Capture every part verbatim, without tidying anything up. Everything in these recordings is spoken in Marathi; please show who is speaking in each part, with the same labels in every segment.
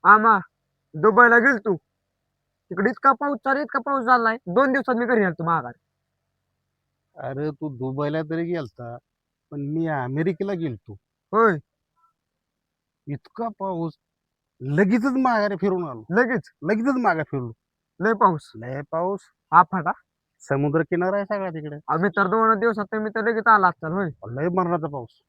Speaker 1: आमा दुबईला गेल तू तिकडे इतका पाऊस चालू इतका पाऊस झालाय दोन दिवसात मी घरी आलो माघार.
Speaker 2: अरे तू दुबईला तरी गेलता, पण मी अमेरिकेला गेलतो.
Speaker 1: होय.
Speaker 2: इतका पाऊस, लगेचच माघारी फिरून आलो.
Speaker 1: लगेच
Speaker 2: लगेचच माघार फिरलो.
Speaker 1: लय पाऊस
Speaker 2: लय पाऊस.
Speaker 1: आफाटा.
Speaker 2: समुद्र किनारा आहे सगळा तिकडे.
Speaker 1: आम्ही तर दोन दिवसात मी तर लगेच आला असताल. होय.
Speaker 2: लय मरणाचा पाऊस.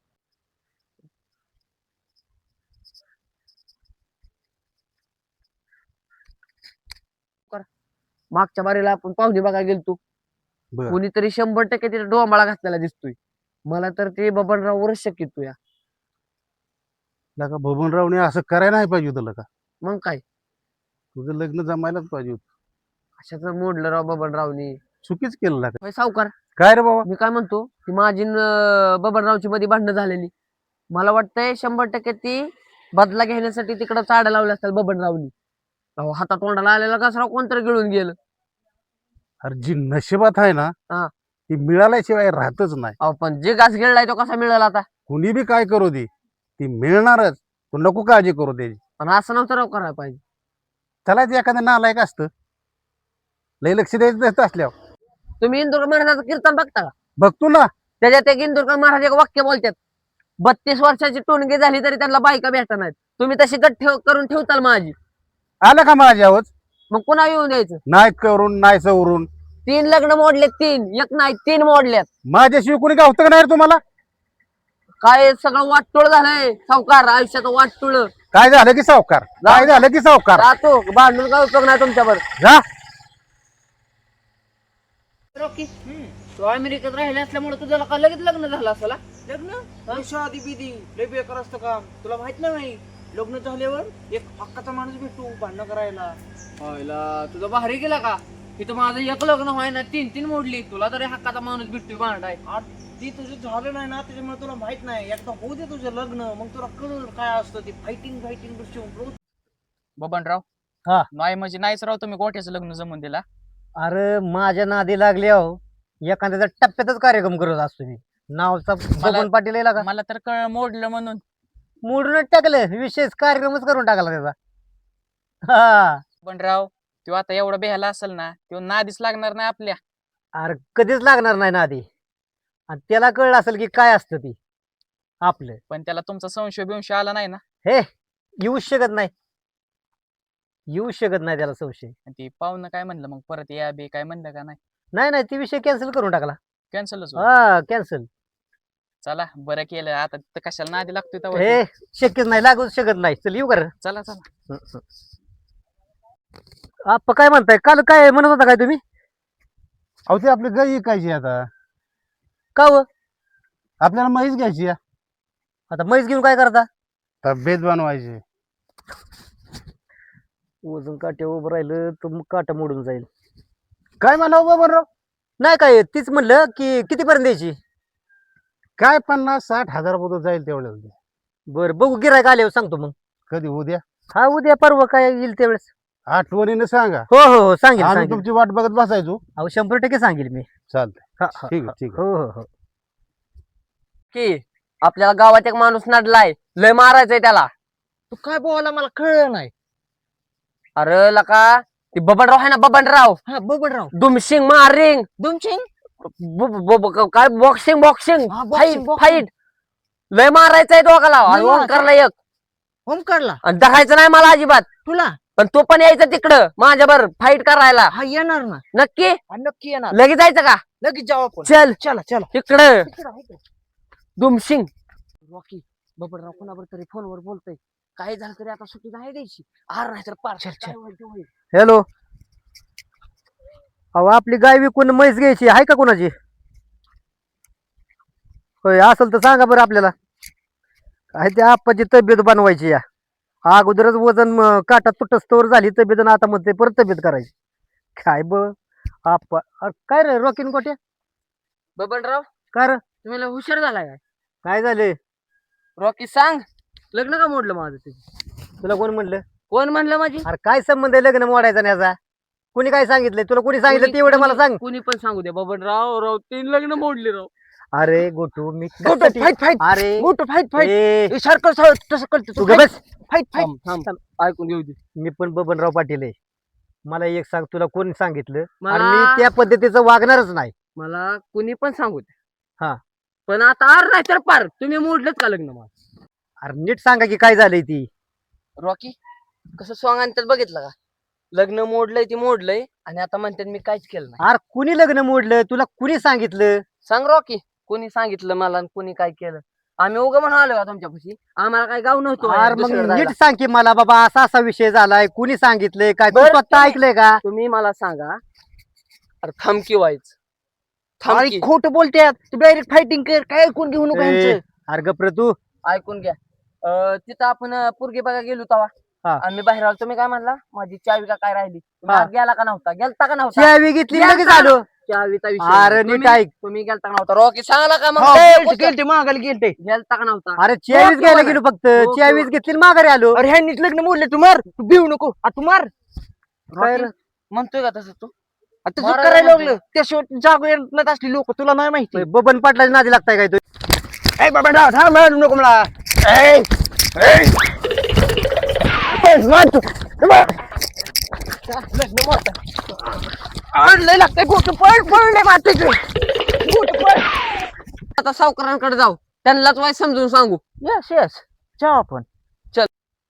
Speaker 1: मागच्या बारीला आपण पाहुणे बघायला गेलतो.
Speaker 2: बर.
Speaker 1: कोणीतरी शंभर टक्के तिथे डोंबाळा घातलेला दिसतोय. मला तर ते बबनराववरच शक्य येतो या.
Speaker 2: लका बबनरावने असं करायला नाही पाहिजे होतं लका.
Speaker 1: मग काय
Speaker 2: तुझं लग्न जमायलाच पाहिजे होतं.
Speaker 1: अशाच मोडलं राव बबनरावनी.
Speaker 2: चुकीच केलं लका.
Speaker 1: होय सावकार.
Speaker 2: काय रे बाबा?
Speaker 1: मी काय म्हणतो ती माझी न बबनरावची मध्ये भांडणं झालेली. मला वाटतंय शंभर टक्के ती बदला घेण्यासाठी तिकडं चाड्या लावल्या असतात बबनरावनी. अहो हातात तोंडाला आलेला कसरा कोणतरी गिळून गेलं.
Speaker 2: अरे जी नशिबात आहे ना,
Speaker 1: हा.
Speaker 2: ती मिळाल्याशिवाय राहतच नाही.
Speaker 1: अहो पण जे घास गिळलाय तो कसा मिळेल आता.
Speaker 2: कुणी बी काय करू दे, ती मिळणारच. तू नको काळजी करू त्याची.
Speaker 1: पण असं नव्हतं राव करायला पाहिजे.
Speaker 2: त्याला ते एखादं नालायक असतं, लय लक्ष द्यायचं नसतं असल्यावर.
Speaker 1: तुम्ही इंदुर महाराजाचं कीर्तन बघता का?
Speaker 2: बघतो ना.
Speaker 1: त्याच्यात एक इंदुरकर महाराज एक वाक्य बोलतात, बत्तीस वर्षाची टोनगी झाली तरी त्यांना बायका भेटत नाहीत. तुम्ही तशी गट ठेव करून ठेवताल माझी.
Speaker 2: आलं का माझ्यावर?
Speaker 1: मग पुन्हा येऊन द्यायचं.
Speaker 2: नाही करून नाही सवरून.
Speaker 1: तीन लग्न मोडलेत, तीन एक नाही तीन मोडल्यात.
Speaker 2: माझ्याशिवाय कोणी गावतं का नाही रे तुम्हाला?
Speaker 1: काय सगळं वाटतुळ झालंय सावकार, आयुष्यात वाटतुळ.
Speaker 2: काय झालं की सावकार? काय झालं की सावकार?
Speaker 1: राहतो भांडून काय उपयोग नाही तुमच्यावर.
Speaker 2: जा.
Speaker 1: रॉकी तू अमेरिकेत राहिले असल्यामुळे तुझ्याला का लगेच लग्न झालं असेल.
Speaker 3: लग्न शादी बिदी लय बेकार असतं काम. तुला माहित नाही लग्न झाल्यावर एक हक्काचा माणूस भेटतो भांडणं करायला.
Speaker 1: व्हायला तुझा भारी गेला का? इथं माझं एक लग्न व्हायना तीन तीन मोडली. तुला तरी हक्काचा माणूस भेटतोय भांडाय.
Speaker 3: आ, ती तुझं झालं नाही ना, त्याच्यामुळे तुला माहित नाही. एकदा होऊ दे तुझं लग्न, मग तुला कळलं काय असतं ते फायटिंग फायटिंग गोष्टी.
Speaker 4: बबनराव.
Speaker 2: हा.
Speaker 4: नाही म्हणजे नाहीच राव, तुम्ही गोठ्याचं लग्न जमून दिला.
Speaker 5: अरे माझ्या नादी लागले हो. एखाद्याचा टप्प्यातच कार्यक्रम करत असतो मी. नावचा बबन पाटील यायला का
Speaker 4: मला तर कळ मोडलं म्हणून.
Speaker 5: मोडूनच टाकलं. विशेष कार्यक्रमच करून टाकला त्याचा. हा.
Speaker 4: बबनराव तो आता एवढा बेहाला असेल ना, तो नादीच लागणार नाही आपल्या.
Speaker 5: अरे कधीच लागणार नाही नादी. आणि त्याला कळलं असेल की काय असतं ती आपलं.
Speaker 4: पण त्याला तुमचा संशय बिंशय आला नाही ना?
Speaker 5: हे येऊच शकत नाही. येऊ शकत नाही त्याला संशय.
Speaker 4: आणि ती पाहुणं काय म्हणलं मग परत या बे काय म्हणलं का नाही?
Speaker 5: नाही नाही ती विषय कॅन्सल करून टाकला.
Speaker 4: कॅन्सलच.
Speaker 5: हा कॅन्सल.
Speaker 4: चला बरं केलं. आता तर कशाला नादी लागतोय तेव्हा.
Speaker 5: हे शक्यच नाही, लागूच शकत नाही. चल येऊ कर.
Speaker 4: चला चला.
Speaker 5: आप काय म्हणताय? काल काय म्हणत होता काय तुम्ही?
Speaker 2: अहो ते आपली गाय ऐकायची आता.
Speaker 5: का व?
Speaker 2: आपल्याला म्हैस घ्यायची आहे.
Speaker 5: आता म्हैस घेऊन काय करता?
Speaker 2: तब्येत बनवायची.
Speaker 5: वजन काट्या उभं राहिलं तर मग काटा मोडून जाईल.
Speaker 2: काय म्हणावं बबनराव?
Speaker 5: नाही काय तीच म्हणलं की कितीपर्यंत द्यायची?
Speaker 2: काय पन्नास साठ हजार रुपये जाईल तेवढ्याला.
Speaker 5: बरं बघू, गिरायक आल्यावर सांगतो मग.
Speaker 2: कधी उद्या?
Speaker 5: हा उद्या परवा काय येईल त्यावेळेस.
Speaker 2: आठवणीने सांगा.
Speaker 5: हो हो हो सांगेल
Speaker 2: आम्ही
Speaker 5: सांगेल.
Speaker 2: तुमची वाट बघत बसायचो.
Speaker 5: अहो शंभर टक्के सांगेल मी.
Speaker 2: चालतंय.
Speaker 5: हा, हा,
Speaker 2: ठीक
Speaker 5: हा.
Speaker 2: आहे ठीक आहे.
Speaker 5: हो हो हो.
Speaker 1: की आपल्याला गावात एक माणूस नडलाय, लय मारायचंय त्याला.
Speaker 3: तू काय बोला मला कळलं नाही.
Speaker 1: अरे लका ती बबनराव आहे ना, बबनराव
Speaker 3: हा बबनराव.
Speaker 1: दुमशिंग मारिंग
Speaker 3: दुमचिंग.
Speaker 1: ब- ब- ब- काय बॉक्सिंग बॉक्सिंग
Speaker 3: हा,
Speaker 1: फाईट
Speaker 3: boxing, boxing.
Speaker 1: फाईट लय मारायचंय दोघाला.
Speaker 3: लय मारायचंय.
Speaker 1: ओंकारला एक
Speaker 3: ओमकारला
Speaker 1: आणि धरायचं नाही मला अजिबात.
Speaker 3: तुला.
Speaker 1: पण तो पण यायचा तिकडं माझ्यावर फाईट करायला.
Speaker 3: हा येणार ना.
Speaker 1: नक्की
Speaker 3: हा, नक्की येणार.
Speaker 1: लगेच जायचं का?
Speaker 3: लगेच जाऊ आपण.
Speaker 1: चल
Speaker 3: चला चला.
Speaker 1: तिकडं दुमशिंग. रॉकी बबनराव कोणावर तरी फोनवर बोलतोय. काय झालं तरी आता सुट्टी नाही द्यायची. आर नाही तर पार. काय होईल ते होईल.
Speaker 5: हॅलो. अहो आपली गाय विकून म्हैस घ्यायची आहे का कोणाची? होय असेल तर सांगा बरं आपल्याला. काय त्या आप्पाची तब्येत बनवायची या. अगोदरच वजन म, काटा तुटस्तोवर झाली तब्येत आणि आता म्हणते परत तब्येत करायची. काय ब आप्पा. अरे काय रे रॉकीन कोट्या?
Speaker 1: बबनराव
Speaker 5: काय रे?
Speaker 1: तुम्ही लय हुशार झालाय काय?
Speaker 5: काय झाले?
Speaker 1: रॉकी सांग लग्न का मोडलं माझं तुझं?
Speaker 5: तुला कोण म्हणलं?
Speaker 1: कोण म्हणलं माझी?
Speaker 5: अरे काय संबंध आहे लग्न मोडायचा आणि याचा? कुणी काय सांगितलंय तुला? कुणी सांगितलं ते एवढं मला सांग.
Speaker 1: कुणी पण सांगू दे बबनराव. राव तीन लग्न मोडली राव.
Speaker 5: अरे गोटू मी
Speaker 1: गोटू
Speaker 5: कशासाठी-
Speaker 1: फाईट फाईट
Speaker 5: अरे
Speaker 1: गोटू फाईट फाईट
Speaker 5: ए,
Speaker 1: सारखं सा- तसं करतो
Speaker 5: तू
Speaker 1: तू
Speaker 5: ग बस
Speaker 1: फाईट फाईट
Speaker 5: थांब, थांब.
Speaker 1: ऐकून घेऊ दे
Speaker 5: मी पण बबनराव पाटील आहे. मला एक सांग, तुला कोणी सांगितलं? आणि
Speaker 1: मला-
Speaker 5: मी त्या पद्धतीचं वागणारच नाही.
Speaker 1: मला कुणी पण सांगू दे
Speaker 5: हा.
Speaker 1: पण आता आर नाही तर पार तुम्ही मोडलंच का लग्न मग
Speaker 5: अरे नीट सांगा की काय झालंय ती.
Speaker 1: रॉकी कसं सॉंग आणतात बघितलं का लग्न मोडलंय ती मोडलंय आणि आता म्हणतात मी काहीच केलं नाही
Speaker 5: अरे कुणी लग्न मोडलं? तुला कुणी सांगितलं?
Speaker 1: सांग रॉकी कोणी सांगितलं मला आणि कोणी काय केलं आम्ही उगा म्हणून आलो का तुमच्यापाशी आम्हाला काय गाव नव्हतं
Speaker 5: अरे मग
Speaker 1: दुसरीकडे
Speaker 5: नीट
Speaker 1: जायला.
Speaker 5: सांग की मला, बाबा असा असा विषय झालाय, कुणी सांगितलंय काय? तू
Speaker 1: बरं,
Speaker 5: स्वतः
Speaker 1: तुम्ही-
Speaker 5: ऐकलंय का?
Speaker 1: तुम्ही मला सांगा अरे थमकी व्हायच
Speaker 3: अरे
Speaker 1: थमकी
Speaker 3: खोटं बोलतात तू डायरेक्ट फायटिंग कर काय ऐकून घेऊ नको
Speaker 5: ए,
Speaker 3: यांचं.
Speaker 5: अरे गप्र तू.
Speaker 1: ऐकून घ्या अं, तिथं आपण अं, पोरगी बघा गेलो तवा
Speaker 5: हा.
Speaker 1: आम्ही बाहेर आलो तुम्ही काय म्हणला माझी चावी का काय राहिली तुम्ही
Speaker 5: हा.
Speaker 1: आत गेला का नव्हता गेलता का नव्हता
Speaker 5: चावी घेतली
Speaker 1: या
Speaker 5: लगेच
Speaker 1: का?
Speaker 5: आलो.
Speaker 1: चावीचा विषय
Speaker 5: अरे
Speaker 1: नाही.
Speaker 5: नीट
Speaker 1: तुम्ही-
Speaker 5: ऐक.
Speaker 1: तुम्ही गेलता का नव्हता रॉकी सांगला का मग
Speaker 3: हो,
Speaker 1: ए,
Speaker 3: गेलते,
Speaker 1: कुठं?
Speaker 3: गेलते मागायला गेलते
Speaker 1: गेलता का नव्हता
Speaker 5: अरे चावीस
Speaker 1: ओके
Speaker 5: घ्यायला
Speaker 1: वाला.
Speaker 5: गेलो फक्त.
Speaker 1: ओके
Speaker 5: चावीस
Speaker 1: वाला.
Speaker 5: घेतली आणि माघारी आलो.
Speaker 3: अरे ह्यांनीच लग्न मोडले तू मार तू भिवू नको आ, तू मार
Speaker 5: काय
Speaker 1: रॉकी,
Speaker 5: रे?
Speaker 1: म्हणतोय का तसं तू
Speaker 3: आता तू
Speaker 1: मारायला
Speaker 3: करायला
Speaker 1: म्हणतोय.
Speaker 3: लागलं त्याशिवाय जागो येत असली लोक तुला नाही माहिती
Speaker 5: बबन पाटलाची नादी लागताय काय तू?
Speaker 3: ए बाबा डाव थांब मारू नको मला ए, ए. ए, मार तू. ए, मार. अरे, लय लागतंय गोटू पळ पळ लय मारतोय तू. गोटू पळ
Speaker 1: आता सावकारांकडे जाऊ त्यांनाच वाय समजून सांगू
Speaker 3: यस यस जाऊ आपण
Speaker 1: चल.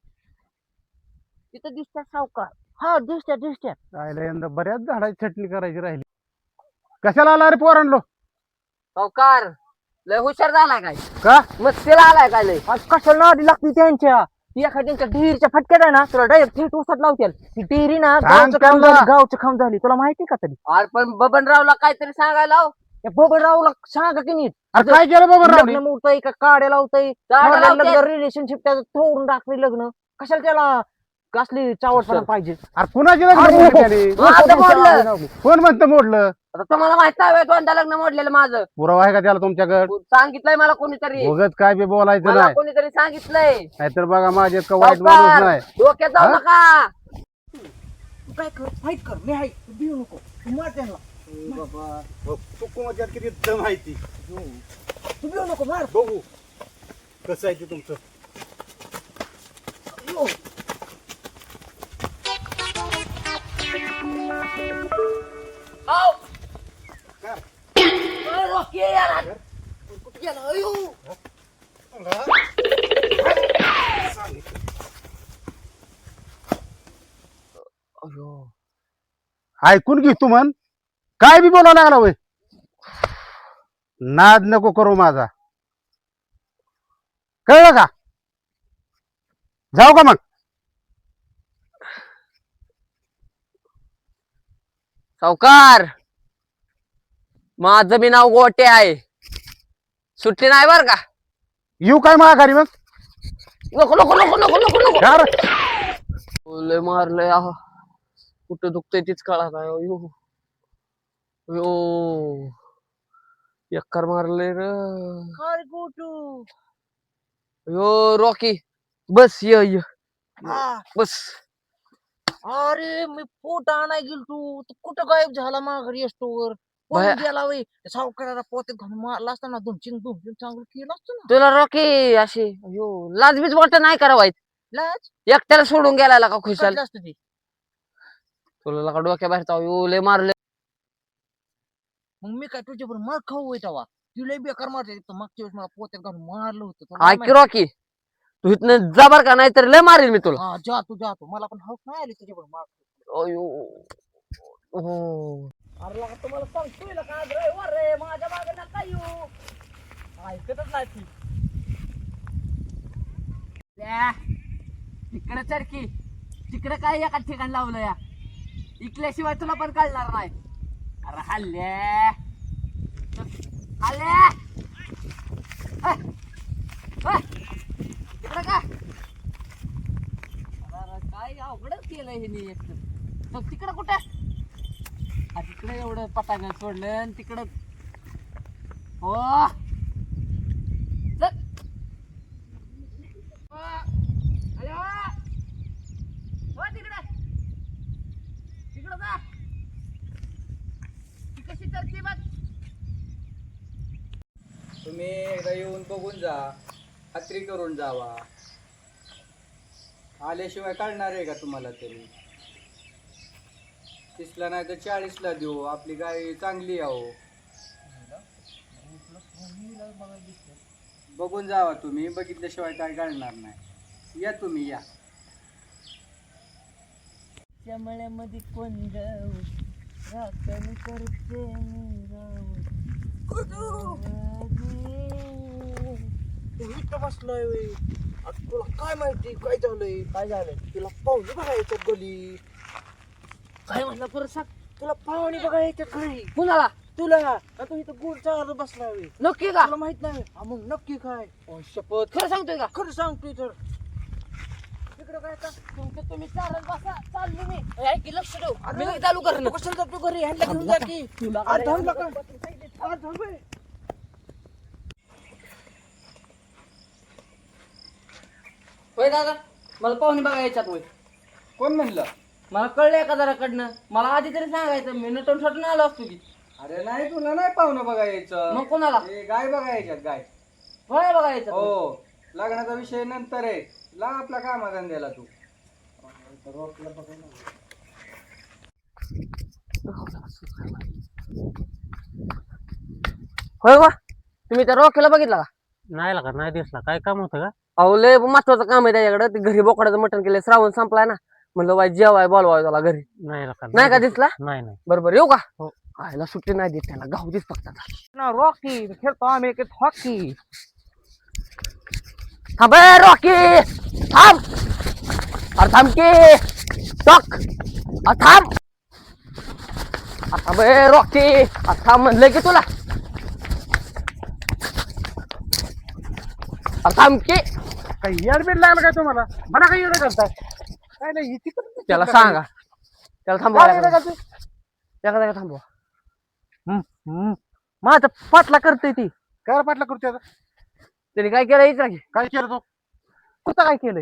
Speaker 3: तिथं दिसतात सावकार हा दिसत्या दिसत्या
Speaker 2: राहिलं यंदा बऱ्याच झाडाची छटणी करायची राहिली. कशाला आला रे पोरांनो?
Speaker 1: सावकार लय हुशार झालाय काय
Speaker 2: का?
Speaker 1: मस्तीला आलाय काय लय
Speaker 3: आज कशाला नादी लागते त्यांच्या ती एखाद्यांच्या डिरीच्या फटक्यात आहे ना तुला डायरेक्ट थेट उसात लावतील ती डिरी ना
Speaker 2: सांग
Speaker 3: गावचं काम
Speaker 2: त्यांना.
Speaker 3: झाली गावचं काम झाली तुला माहिती का तरी
Speaker 1: अरे पण बबनरावला काहीतरी सांगायला लाव.
Speaker 3: त्या बबनरावला सांगा की नीट
Speaker 2: अरे काय केलं बाबा रावणी?
Speaker 3: लग्न मोडतंय का काड्या लावतंय
Speaker 1: काड्या लावत्यात.
Speaker 3: रिलेशनशिप त्याचं तोडून टाकले लग्न कशाला त्याला कसली चावटपणा पाहिजे
Speaker 2: अरे कुणाची लग्न
Speaker 3: अरे,
Speaker 2: मोडली त्याने?
Speaker 1: मग आता मोडलं.
Speaker 2: कोण म्हणतं मोडलं?
Speaker 1: आता तुम्हाला माहित आहे दोनदा लग्न मोडलेलं माझं
Speaker 2: पुरावा आहे का त्याला तुमच्याकडे?
Speaker 1: सांगितलंय मला कोणीतरी
Speaker 2: उगत काय बी बोलायचं
Speaker 1: मला
Speaker 2: नाही.
Speaker 1: कोणीतरी सांगितलंय
Speaker 2: नाहीतर बघा माझे इतका वाईट माणूस
Speaker 1: सावकार,
Speaker 2: नाही.
Speaker 1: डोक्यात जाऊ
Speaker 2: हा?
Speaker 1: नका
Speaker 3: तू काय कर फाईट कर मी आहे तू भिऊ नको तू मार त्यांना
Speaker 2: किती दम आहे ती
Speaker 3: तू भिऊ नको मार
Speaker 2: बघू कसं आहे ते तुमचं. ऐकून घे तू म्हण काय बी बोलावं लागला वय. नाद नको करू माझा कळलं का? जाऊ का मग?
Speaker 1: सावकार माझं बी नाव गोटे आहे सुट्टी नाही बर का
Speaker 2: येऊ काय माघारी मग?
Speaker 1: नको नको नको नको नको नको
Speaker 2: यार
Speaker 1: लय मारलंय आह कुठं दुखतंय तीच कळा काय यो यो एकर मारलंय र
Speaker 3: काय गोटू
Speaker 1: यो रॉकी बस ये ये
Speaker 3: हा.
Speaker 1: बस
Speaker 3: अरे मी पोट आणाय गेल तू तू कुठं गायब झाला माघारी असतोवर
Speaker 1: बाया-
Speaker 3: पळून गेला वय त्या सावकाराला पोत्यात घालून मारला असता ना दोन चिंग दोन चिंग चांगलं केलं असतं ना
Speaker 1: तुला रॉकी अशी यो लाजबीज वाटत नाही करावायच
Speaker 3: लाज
Speaker 1: एकट्याला सोडून गेला का खुशाल
Speaker 3: काढलं असतं ते
Speaker 1: तुला लका डोक्या बाहेर जाऊ यो लय मारले
Speaker 3: मग मी काय तुझ्या बरोबर मार खाऊ होय तेव्हा तुला बेकार मारते मागच्या वेळेस मला पोत्यात घालून मारलं होतं तुला नाही
Speaker 1: ऐक रॉकी तू इथनं जबर का नाही तर लय मारेल मी तुला
Speaker 3: हा जातो जातो मला पण हौस नाही आली तुझ्या बरोबर मार
Speaker 1: अयो हो
Speaker 3: अरे लगा तुम्हाला सांगतोय ना का ड्रायव्हर रे माझ्या मागे नका येऊ ऐकतच नाही ती
Speaker 1: तिकडे चरकी तिकडे काय एका ठिकाण लावलं या इकल्याशिवाय तुला पण कळणार नाही अरे हल्ले हल्ले तिकडे का अरे काय अवघडच केलंय हे तिकडे कुठे तिकडे एवढं पटांगण सोडलं आणि तिकडं हो चल. हो. हॅलो. हो तिकडे तिकडं जा ती कशी चलती बघ
Speaker 6: तुम्ही एकदा येऊन बघून जा, खात्री करून जावा. आल्याशिवाय काढणार आहे का तुम्हाला तरी? तीसला नाही तर चाळीसला देऊ, आपली गाय चांगली आहो. बघून जावा तुम्ही, बघितल्याशिवाय काय काढणार नाही. या तुम्ही या.
Speaker 3: मळ्यामध्ये कोण जाऊ राखण करते मी राव. तू इथं बसलाय वे. आता तुला काय माहिती काय झालंय? काय झालंय? तिला पाहुणे बघायच्यात गली. काय म्हणला परत सांग. तुला पाहुणे बघायच्यात घरी.
Speaker 1: कुणाला?
Speaker 3: तुला आता तू इथं गोड चालत बसलाय वे.
Speaker 1: नक्की का?
Speaker 3: तुला माहित नाही? हा मग नक्की काय?
Speaker 1: शपथ खरं सांगतोय का?
Speaker 3: खरं सांगतोय तर. इकडं काय आता?
Speaker 1: तुमचं तुम्ही चालत बसा, चाललो मी. ऐक की, लक्ष ठेव. मी लगेच चालू करणं.
Speaker 3: तू कशाला जातो घरी? ह्यांना घेऊन जा की.
Speaker 1: तुला
Speaker 3: अरे थांब नका. अरे थांब बे.
Speaker 1: होय दादा, मला पाहुणे बघायच्यात होय.
Speaker 6: कोण म्हणलं?
Speaker 1: मला कळलं एका जराकडनं. मला आधी तरी सांगायचं, मी नटून सटून आलो असतो की.
Speaker 6: अरे नाही, तुला नाही पाहुणं बघायचं.
Speaker 1: मग कोणाला?
Speaker 6: हे गाय बघायच्यात गाय.
Speaker 1: होय बघायचं.
Speaker 6: हो, लग्नाचा विषय नंतर आहे. लाग आपल्या कामाधंद्याला तू.
Speaker 1: होय वा, तुम्ही त्या रॉकीला बघितला का?
Speaker 5: नाही लागा, नाही दिसला. काय काम होतं का?
Speaker 1: अहो लय महत्वाचं काम आहे त्याच्याकडे. ते घरी बोकडाचं मटण केलंय, श्रावण संपलाय ना. म्हणलं वाय जेवाय बोलवाय त्याला घरी.
Speaker 5: नाही लागा.
Speaker 1: नाही का दिसला?
Speaker 5: नाही नाही.
Speaker 1: बरोबर येऊ का?
Speaker 5: हो.
Speaker 1: आयला सुट्टी नाही देत त्याला, गाव दिस फक्त आता.
Speaker 3: ना रॉकी खेळतो आम्ही एक हॉकी.
Speaker 1: थांब ए, रॉकी थांब. अरे थांब की टॉक. अरे थांब. अरे थांब ए, रॉकी. अरे थांब म्हणलंय की तुला. अरे थांब की.
Speaker 2: काही येडबीड लागलं काय तुम्हाला? मला काही येडं करताय? काय नाही, इथे कुठं-
Speaker 1: त्याला सांगा, त्याला थांबवा.
Speaker 2: काय येडं करताय?
Speaker 1: एका जागा थांबवा.
Speaker 5: हम्म. माझा पाटला करते ती.
Speaker 2: काय पाटला करतो आता?
Speaker 1: त्याने काय केलं इकडे?
Speaker 2: काय केलं तो?
Speaker 5: कुठं काय केलंय?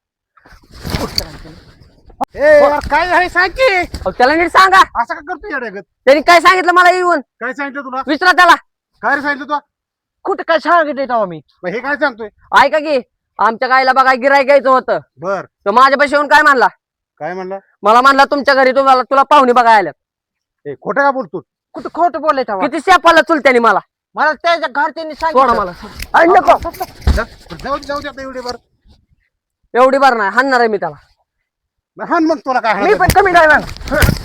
Speaker 2: ए यार, काय आहे सांग की.
Speaker 1: अहो, त्याला नीट सांगा.
Speaker 2: असं का करतो येड्यागत?
Speaker 1: त्यांनी काय सांगितलं मला येऊन?
Speaker 2: काय सांगितलं तुला?
Speaker 1: विचारा त्याला.
Speaker 2: काय रे सांगितलं तू?
Speaker 5: कुठं काय सांगितलंय तेव्हा मी?
Speaker 2: मग हे काय सांगतोय?
Speaker 1: ऐका की, आमच्या गायला बघा गिराय घ्यायचं होतं.
Speaker 2: बर,
Speaker 1: तर माझ्यापाशी येऊन काय म्हणला?
Speaker 2: काय म्हणला?
Speaker 1: मला म्हणला तुमच्या घरी तुम्हाला तुला पाहुणे बघा आल्यात.
Speaker 2: ए खोटं का बोलतो?
Speaker 5: कुठं खोटं बोलले तेव्हा?
Speaker 1: किती शेपाला चुलत्याने मला.
Speaker 5: मला त्याच्या घरच्यांनी
Speaker 1: सोडा
Speaker 5: सांगितलं.
Speaker 1: मला. अरे नको.
Speaker 2: जा- जाऊ दे, जाऊ दे आता एवढे बर.
Speaker 1: एवढी बार नाही हाणणार आहे मी त्याला.
Speaker 2: हान मग तुला काय
Speaker 5: मी
Speaker 2: हाणायचं?
Speaker 5: पण कमी नाही ना.